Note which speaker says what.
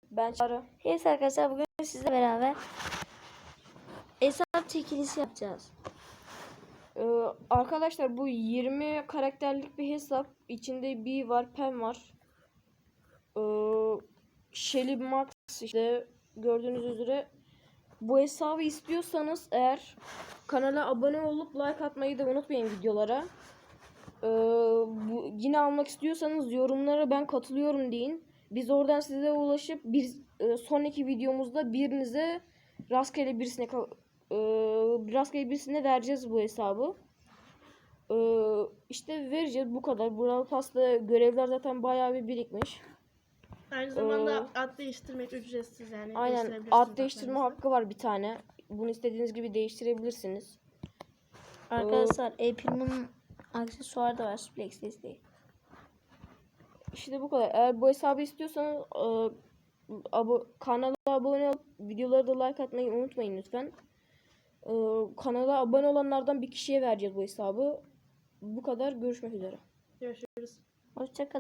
Speaker 1: Ben Çağrı.
Speaker 2: Evet arkadaşlar, bugün sizle beraber hesap çekilişi yapacağız.
Speaker 1: Arkadaşlar bu 20 karakterlik bir hesap. İçinde B var, Pen var. Shelly Max işte gördüğünüz üzere. Bu hesabı istiyorsanız eğer kanala abone olup like atmayı da unutmayın videolara. Yine almak istiyorsanız yorumlara ben katılıyorum deyin. Biz oradan size ulaşıp sonraki videomuzda birinize rastgele birisine vereceğiz bu hesabı. İşte vereceğiz, bu kadar. Brawl Pass'ta görevler zaten bayağı bir birikmiş.
Speaker 3: Aynı zamanda ad değiştirmek ücretsiz yani.
Speaker 1: Aynen, ad değiştirme hakkı var bir tane. Bunu istediğiniz gibi değiştirebilirsiniz.
Speaker 2: Arkadaşlar April'in aksesuarı da var, Suplex desteği.
Speaker 1: İşte bu kadar. Eğer bu hesabı istiyorsanız kanala abone olup videoları da like atmayı unutmayın lütfen. Kanala abone olanlardan bir kişiye vereceğiz bu hesabı. Bu kadar. Görüşmek üzere.
Speaker 3: Görüşürüz.
Speaker 2: Hoşça kalın.